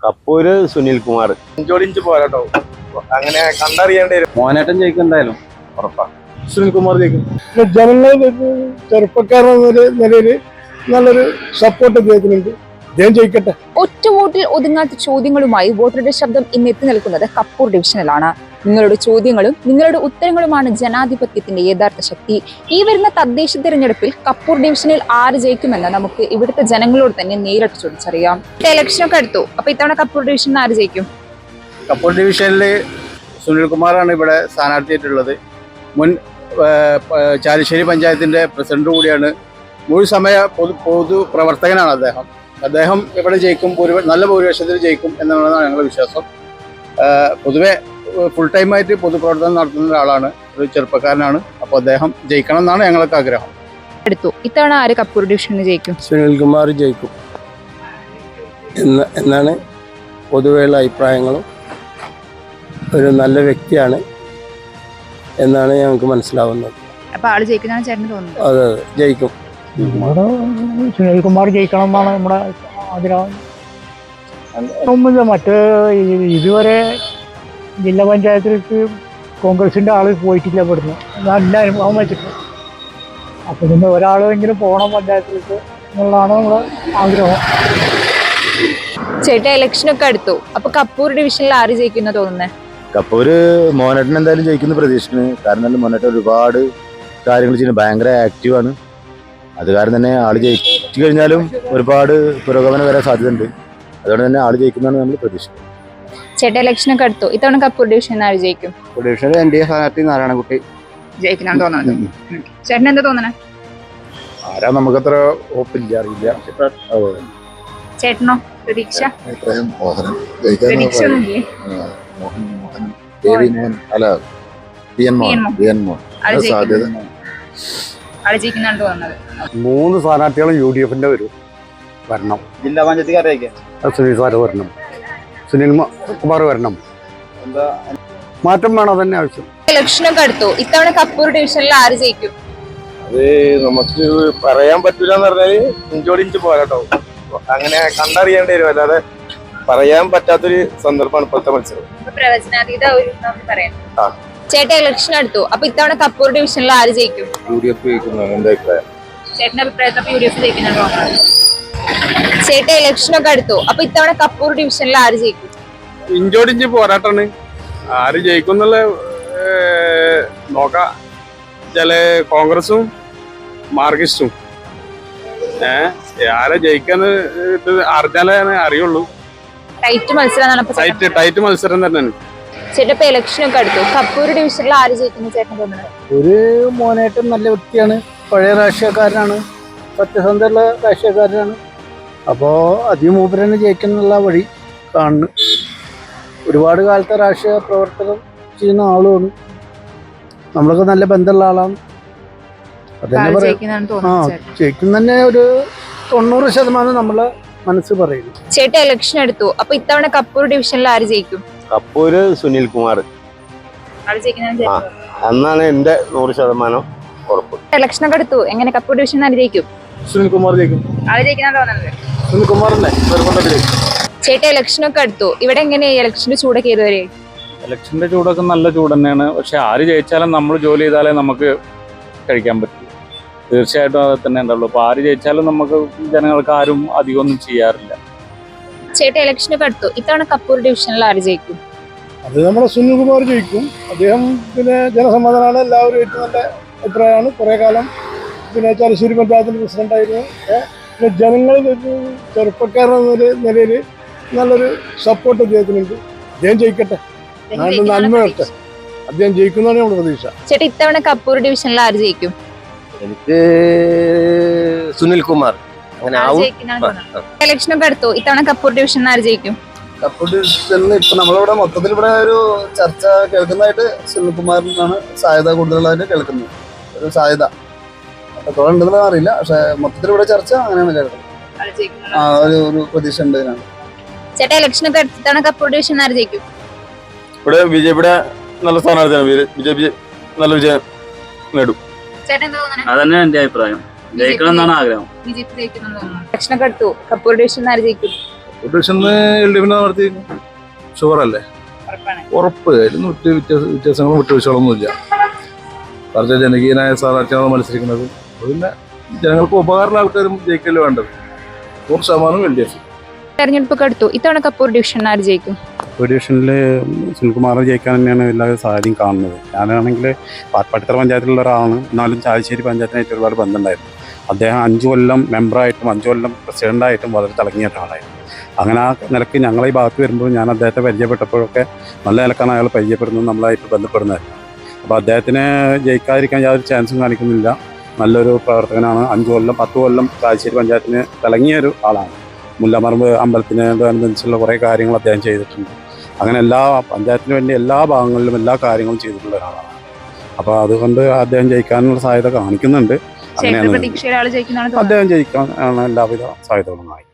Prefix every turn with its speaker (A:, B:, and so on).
A: കപ്പൂര് സുനിൽകുമാർ.
B: ഇഞ്ചോടിഞ്ച് പോരാട്ടോ, അങ്ങനെ കണ്ടറിയേണ്ടി വരും.
A: മോനേട്ടൻ ജയിക്കും എന്തായാലും, ഉറപ്പാ.
B: സുനിൽകുമാർ ജയിക്കും.
C: ജനങ്ങൾ ചെറുപ്പക്കാരെന്ന നിലയിൽ നല്ലൊരു സപ്പോർട്ട് അദ്ദേഹത്തിനുണ്ട്. അദ്ദേഹം ജയിക്കട്ടെ.
D: ഒറ്റ വോട്ടിൽ ഒതുങ്ങാത്ത ചോദ്യങ്ങളുമായി വോട്ടറുടെ ശബ്ദം ഇന്ന് എത്തി നിൽക്കുന്നത് കപ്പൂർ ഡിവിഷനിലാണ്. നിങ്ങളുടെ ചോദ്യങ്ങളും നിങ്ങളുടെ ഉത്തരങ്ങളുമാണ് ജനാധിപത്യത്തിന്റെ യഥാർത്ഥ ശക്തി. ഈ വരുന്ന തദ്ദേശ തിരഞ്ഞെടുപ്പിൽ കപ്പൂർ ഡിവിഷനിൽ ആര് ജയിക്കുമെന്ന് നമുക്ക് ഇവിടുത്തെ ജനങ്ങളോട് തന്നെ നേരിട്ട് ചോദിച്ചറിയാം. ഇലക്ഷനൊക്കെ അടുത്തു, അപ്പൊ ഇത്തവണ കപ്പൂർ ഡിവിഷനിൽ ആര് ജയിക്കും?
A: കപ്പൂർ ഡിവിഷനിൽ സുനിൽകുമാറാണ് ഇവിടെ സ്ഥാനാർത്ഥിയായിട്ടുള്ളത്. മുൻ ചാലിശ്ശേരി പഞ്ചായത്തിന്റെ പ്രസിഡന്റ് കൂടിയാണ്. മുഴുവൻ സമയ പൊതു പ്രവർത്തകനാണ് അദ്ദേഹം ഇവിടെ ജയിക്കും, നല്ല ഭൂരിപക്ഷത്തിൽ ജയിക്കും എന്നാണ് ഞങ്ങളുടെ വിശ്വാസം. പൊതുവെ ഫുൾ ടൈമായിട്ട് പൊതുപ്രവർത്തനം നടത്തുന്ന ഒരാളാണ്, ഒരു ചെറുപ്പക്കാരനാണ്. അപ്പോൾ അദ്ദേഹം ജയിക്കണം എന്നാണ് ഞങ്ങൾക്ക് ആഗ്രഹം.
D: അടുത്തു ഇത്തവണ ആര് കപ്പൂർ ഡിവിഷനിൽ ജയിക്കും?
E: സുനിൽകുമാർ ജയിക്കും എന്നാണ് പൊതുവെയുള്ള അഭിപ്രായങ്ങളും. ഒരു നല്ല വ്യക്തിയാണ് എന്നാണ് ഞങ്ങൾക്ക് മനസ്സിലാവുന്നത്.
D: അപ്പൊ ആള് ജയിക്കുന്നതാണ് ചേട്ടന് തോന്നുന്നത്?
E: അതെ, ജയിക്കും.
C: സുനിൽകുമാർ ജയിക്കണം എന്നാണ് നമ്മുടെ ആഗ്രഹം. മറ്റ് ഇതുവരെ ജില്ലാ പഞ്ചായത്തിലേക്ക് കോൺഗ്രസിന്റെ ആള് പോയിട്ടില്ല ഇവിടുന്ന്, നല്ല അനുഭവം വെച്ചിട്ട്. അപ്പൊ പിന്നെ ഒരാളെങ്കിലും പോകണം പഞ്ചായത്തിലേക്ക് എന്നുള്ളതാണ് നമ്മുടെ ആഗ്രഹം.
D: ചേട്ടാ ഇലക്ഷനൊക്കെ അടുത്തു, അപ്പൊ കപ്പൂർ ഡിവിഷനിൽ ആര് ജയിക്കുന്ന തോന്നുന്നേ?
A: കപ്പൂര് മോനേട്ടൻ എന്തായാലും ജയിക്കുന്ന പ്രതീക്ഷിക്കുന്നു. കാരണം മോനേട്ടൻ ഒരുപാട് കാര്യങ്ങൾ ചെയ്യുന്നത്, ഭയങ്കര ആക്റ്റീവാണ്. അത് കാരണം തന്നെ ആള് ജയിച്ചു കഴിഞ്ഞാലും ഒരുപാട് പുരോഗമനം വരാൻ സാധ്യതയുണ്ട്. അതുകൊണ്ട് തന്നെ ആള് ജയിക്കുന്നതാണ് നമ്മൾ പ്രതീക്ഷിക്കുന്നത്.
D: ചേട്ടാ ഇലക്ഷനൊക്കെ അടുത്തു, ഇത്തവണ കപ്പൂർ ഡിവിഷനിൽ ആര് ജയിക്കും?
A: ഡിവിഷനിൽ NDA സ്ഥാനാർത്ഥി നാരായണക്കുട്ടി
D: ജയിക്കുന്നതാണ് തോന്നുന്നത്. ചേട്ടൻ എന്താ തോന്നണേ?
A: ആരാ നമുക്കത്ര ഉറപ്പില്ല, അറിയില്ല.
D: ചേട്ടനോ? പ്രതീക്ഷ
E: മൂന്ന് സ്ഥാനാർത്ഥികളും UDF-ന്റെ വരണം.
A: ജില്ലാ പഞ്ചായത്ത്
E: സുനിൽ സാറ് വരണം, സുനിൽകുമാർ വരണം. മാറ്റം വേണം, അതന്നെ ആവശ്യം.
D: ഇലക്ഷനൊക്കെ അടുത്തു, ഇത്തവണ കപ്പൂർ ഡിവിഷനിൽ ആര് ജയിക്കും?
B: അത് നമുക്ക് പറയാൻ പറ്റൂല എന്ന് പറഞ്ഞാല് ഇഞ്ചോടിഞ്ച് പോരാട്ടോ, അങ്ങനെ കണ്ടറിയേണ്ടി വരും. അല്ലാതെ പറയാൻ പറ്റാത്തൊരു സന്ദർഭമാണ് ഇപ്പോഴത്തെ മത്സരം.
D: പ്രവചനാതീത ചേട്ടാ ഇലക്ഷൻ അടുത്തു, അപ്പൊ ഇത്തവണ കപ്പൂർ ഡിവിഷനിൽ ആര് ജയിക്കും?
A: UDF ജയിക്കുന്നതാണ് എന്റെ അഭിപ്രായം.
D: ചേട്ടന്റെ അഭിപ്രായത്തിൽ UDF ജയിക്കുന്നുണ്ടോ? ചേട്ടാ ഇലക്ഷനൊക്കെ അടുത്തു, അപ്പൊ ഇത്തവണ കപ്പൂർ ഡിവിഷനിൽ ആര് ജയിക്കും?
B: ഇഞ്ചോടിഞ്ച് പോരാട്ടാണ്, ആര് ജയിക്കും എന്നുള്ള നോക്കാം. ചില കോൺഗ്രസും മാർക്സിസ്റ്റും ആരെ ജയിക്കാന്ന് അറിഞ്ഞാലേ അറിയുള്ളൂ. ടൈറ്റ് മത്സരം തന്നെയാണ്.
D: ചേട്ടാ ഇലക്ഷനൊക്കെ അടുത്തു, കപ്പൂർ ഡിവിഷനിൽ ആര് ജയിക്കുന്നു ചേട്ടൻ തോന്നുന്നത്?
E: ഒരു മോനേട്ടൻ നല്ല വ്യക്തിയാണ്, പഴയ രാഷ്ട്രീയക്കാരനാണ്, സത്യസന്ധയുള്ള രാഷ്ട്രീയക്കാരനാണ്. അപ്പോൾ അതിമൂപ്പരനെ ജയിക്കാനുള്ള വഴി കാണുന്നു. ഒരുപാട് കാലത്തെ രാഷ്ട്രീയ പ്രവർത്തനം ചെയ്യുന്ന ആളുമാണ്, നമ്മളൊക്കെ നല്ല ബന്ധമുള്ള ആളാണ്. അതന്നെ പറയാം, ജയിക്കും തന്നെ ഒരു 90% നമ്മളെ മനസ്സ് പറയുന്നു.
D: ചേട്ടാ ഇലക്ഷൻ എടുത്തു, അപ്പൊ ഇത്തവണ കപ്പൂർ ഡിവിഷനിൽ ആര് ജയിക്കും?
A: കപ്പൂര് സുനിൽകുമാർ എന്നാണ് എന്റെ 100% ഉറപ്പ്.
D: ഇലക്ഷനൊക്കെ എടുത്തു, എങ്ങനെ കപ്പൂർ ഡിവിഷനിൽ ആര് ജയിക്കും?
B: സുനിൽകുമാർ ജയിക്കും.
D: ആര് ജയിക്കുന്ന തോന്നുന്നത്?
B: സുനിൽകുമാറിനെ.
D: ചേട്ടാ ഇലക്ഷനൊക്കെ എടുത്തു, ഇവിടെ എങ്ങനെയാ ഇലക്ഷന്റെ ചൂടൊക്കെ ഏതുവരെ?
F: ഇലക്ഷന്റെ ചൂടൊക്കെ നല്ല ചൂട് തന്നെയാണ്. പക്ഷെ ആര് ജയിച്ചാലും നമ്മൾ ജോലി ചെയ്താലേ നമുക്ക് കഴിക്കാൻ പറ്റും. തീർച്ചയായിട്ടും അത് തന്നെ ഉണ്ടാവുള്ളൂ. അപ്പൊ ആര് ജയിച്ചാലും നമുക്ക് ജനങ്ങൾക്ക് ആരും അധികം ഒന്നും ചെയ്യാറില്ല.
D: ചേട്ടാ ഇലക്ഷനൊക്കെ അടുത്തു, ഇത്തവണ കപ്പൂർ ഡിവിഷനിൽ ആര് ജയിക്കും?
C: അത് നമ്മുടെ സുനിൽകുമാർ ജയിക്കും. അദ്ദേഹം പിന്നെ ജനസമ്മതനാണ്, എല്ലാവരും ഏറ്റവും നല്ല അഭിപ്രായമാണ്. കുറെ കാലം പിന്നെ ചാലിശ്ശേരി പഞ്ചായത്തിന്റെ പ്രസിഡന്റായിരുന്നു. പിന്നെ ജനങ്ങൾ ചെറുപ്പക്കാരെന്ന നിലയിൽ നല്ലൊരു സപ്പോർട്ട് അദ്ദേഹത്തിനുണ്ട്. അദ്ദേഹം ജയിക്കട്ടെ, നന്മ വരട്ടെ. അദ്ദേഹം ജയിക്കുന്നതാണ് നമ്മുടെ പ്രതീക്ഷ.
D: ചേട്ടാ ഇത്തവണ കപ്പൂർ ഡിവിഷനിൽ ആര് ജയിക്കും?
A: എനിക്ക് സുനിൽകുമാർ.
D: ഇലക്ഷനൊക്കെ അടുത്തു, ഇത്തവണ കപ്പൂർ ഡിവിഷനിൽ ആര് ജയിക്കും?
E: കപ്പൂർ ഡിവിഷനിൽ ഇപ്പൊ നമ്മളിവിടെ മൊത്തത്തിൽ ഇവിടെ ഒരു ചർച്ച കേൾക്കുന്നതായിട്ട് സുനിൽകുമാറിനാണ് സാധ്യത കൂടുതലായിട്ട് കേൾക്കുന്നത്. ഒരു സാധ്യത എത്രത്തോളം ഉണ്ടെന്ന് അറിയില്ല, പക്ഷെ മൊത്തത്തിൽ ഇവിടെ ചർച്ച അങ്ങനെയാണ് കേൾക്കുന്നത്. ഒരു പ്രതീക്ഷ ഉണ്ട്.
D: ചേട്ടാ ഇലക്ഷനൊക്കെ അടുത്ത് ഇത്തവണ കപ്പൂർ ഡിവിഷനിൽ ആര് ജയിക്കും?
B: ഇവിടെ BJP നല്ല സ്ഥാനാർത്ഥിയാണ്. BJP നല്ല വിജയം നേടും.
F: അതന്നെ എന്റെ അഭിപ്രായം. ജയിക്കണം എന്നാണ് ആഗ്രഹം.
D: ഇലക്ഷനൊക്കെ അടുത്തു, കപ്പൂർ ഡിവിഷനിൽ ആര് ജയിക്കും?
G: ഡിവിഷനിൽ LDF നടത്തി ഷുവറല്ലേ, ഉറപ്പ്. അതിലൊന്നും വ്യത്യാസങ്ങളും വിട്ടുവീഴ്ചകളൊന്നുമില്ല. വളരെ ജനകീയനായ സ്ഥാനാർത്ഥിയാണ് മത്സരിക്കുന്നത്. പിന്നെ ജനങ്ങൾക്ക് ഉപകാരമുള്ള ആൾക്കാരും ജയിക്കല് വേണ്ടത്. 100% LDF.
D: തെരഞ്ഞെടുപ്പൊക്കെ അടുത്തു. ഇത്തവണ കപ്പൂർ ഡിവിഷൻ ആര് ജയിക്കും?
H: കപ്പൂർ ഡിവിഷനിൽ സുനിൽകുമാർ ജയിക്കാൻ തന്നെയാണ് എല്ലാ സാധ്യതയും കാണുന്നത്. ഞാനാണെങ്കിൽ പാട്പാട്ടിത്തറ പഞ്ചായത്തിലുള്ള ഒരാളാണ്. എന്നാലും ചാലിശ്ശേരി പഞ്ചായത്തിനായിട്ട് ഒരുപാട് ബന്ധമുണ്ടായിരുന്നു. അദ്ദേഹം 5 കൊല്ലം മെമ്പറായിട്ടും 5 കൊല്ലം പ്രസിഡൻ്റായിട്ടും വളരെ തിളങ്ങിയ ഒരാളായിരുന്നു. അങ്ങനെ ആ നിലയ്ക്ക് ഞങ്ങളെ ഈ ഭാഗത്ത് വരുമ്പോൾ ഞാൻ അദ്ദേഹത്തെ പരിചയപ്പെട്ടപ്പോഴൊക്കെ നല്ല നിലക്കാണ് അയാൾ പരിചയപ്പെടുന്നത്, നമ്മളായിട്ട് ബന്ധപ്പെടുന്നതായിരുന്നു. അപ്പോൾ അദ്ദേഹത്തിന് ജയിക്കാതിരിക്കാൻ യാതൊരു ചാൻസും കാണിക്കുന്നില്ല. നല്ലൊരു പ്രവർത്തകനാണ്. 5 കൊല്ലം 10 കൊല്ലം ചാലിശ്ശേരി പഞ്ചായത്തിന് തിളങ്ങിയ ഒരു ആളാണ്. മുല്ലമറമ്പ് അമ്പലത്തിനോടനുബന്ധിച്ചുള്ള കുറേ കാര്യങ്ങൾ അദ്ദേഹം ചെയ്തിട്ടുണ്ട്. അങ്ങനെ എല്ലാ പഞ്ചായത്തിന് വേണ്ടി എല്ലാ ഭാഗങ്ങളിലും എല്ലാ കാര്യങ്ങളും ചെയ്തിട്ടുള്ള ഒരാളാണ്. അപ്പോൾ അതുകൊണ്ട് അദ്ദേഹം ജയിക്കാനുള്ള സാധ്യത കാണിക്കുന്നുണ്ട്. അങ്ങനെയാണ്
D: പ്രതീക്ഷയിൽ ആള് ജയിക്കുന്നതാണ്
H: അദ്ദേഹം ജയിക്കാൻ എല്ലാവിധ സാധ്യതകളും കാണിക്കുന്നത്.